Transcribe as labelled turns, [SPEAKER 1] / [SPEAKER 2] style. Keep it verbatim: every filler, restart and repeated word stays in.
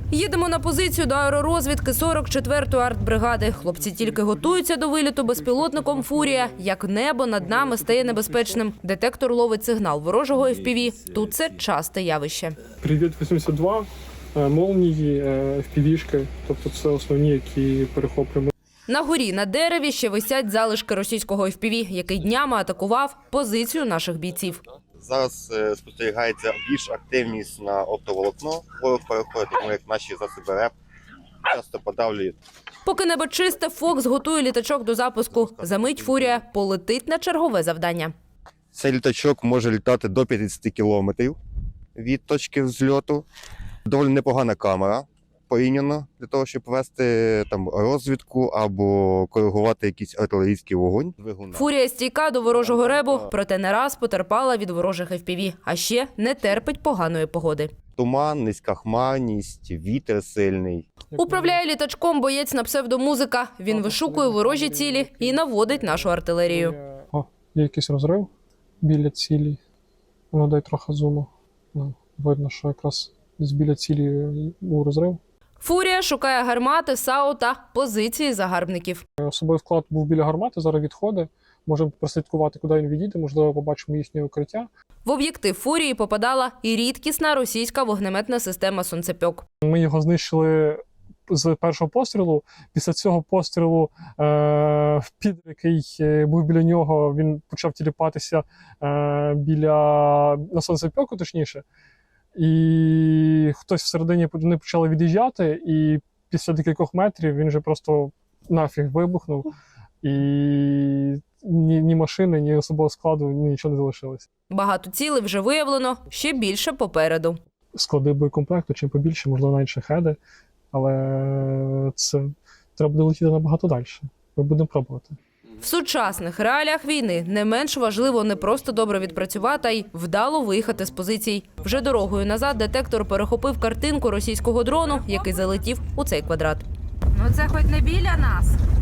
[SPEAKER 1] Їдемо на позицію до аеророзвідки сорок четвертої артбригади. Хлопці тільки готуються до виліту безпілотником «Фурія». Як небо над нами стає небезпечним. Детектор ловить сигнал ворожого еф пі ві. Тут це часте явище.
[SPEAKER 2] Привіт вісімдесят два, молнії, еф пі ві-шки, тобто це основні, які перехоплюємо.
[SPEAKER 1] На горі на дереві ще висять залишки російського еф пі ві, який днями атакував позицію наших бійців.
[SPEAKER 3] Зараз е, спостерігається більш активність на оптоволокно. Ворог переходить, тому як наші засоби РЕП часто подавлюють.
[SPEAKER 1] Поки небо чисте, «Фокс» готує літачок до запуску. Замить «Фурія» полетить на чергове завдання.
[SPEAKER 3] Цей літачок може літати до п'ятдесят кілометрів від точки взльоту. Доволі непогана камера порівняно для того, щоб вести там розвідку або коригувати якийсь артилерійський вогонь.
[SPEAKER 1] «Фурія» стійка до ворожого ребу, проте не раз потерпала від ворожих еф пі ві, а ще не терпить поганої погоди.
[SPEAKER 3] Туман, низька хмарність, вітер сильний.
[SPEAKER 1] Управляє літачком боєць на псевдомузика. Він вишукує ворожі цілі і наводить нашу артилерію.
[SPEAKER 2] О, є якийсь розрив біля цілі. Ну, дай трохи зуму. Ну, видно, що якраз десь біля цілі був розрив.
[SPEAKER 1] «Фурія» шукає гармати, САУ та позиції загарбників.
[SPEAKER 2] Особовий склад був біля гармати, зараз відходить. Можемо прослідкувати, куди він відійде, можливо, побачимо їхнє укриття.
[SPEAKER 1] В об'єктив «Фурії» попадала і рідкісна російська вогнеметна система «Сонцепьок».
[SPEAKER 2] Ми його знищили з першого пострілу. Після цього пострілу е, підер, який був біля нього, він почав тіліпатися е, біля на Сонцепьоку, точніше. І хтось всередині вони почали від'їжджати, і після декількох метрів він вже просто нафіг вибухнув. І ні, ні машини, ні особового складу, ні нічого не залишилось.
[SPEAKER 1] Багато цілей вже виявлено, ще більше попереду.
[SPEAKER 2] Склади боєкомплекту, чим побільше, можливо, навіть шахеди, але це треба буде летіти набагато далі. Ми будемо пробувати.
[SPEAKER 1] В сучасних реаліях війни не менш важливо не просто добре відпрацювати, а й вдало виїхати з позицій. Вже дорогою назад детектор перехопив картинку російського дрону, який залетів у цей квадрат.
[SPEAKER 4] Ну це хоч не біля нас.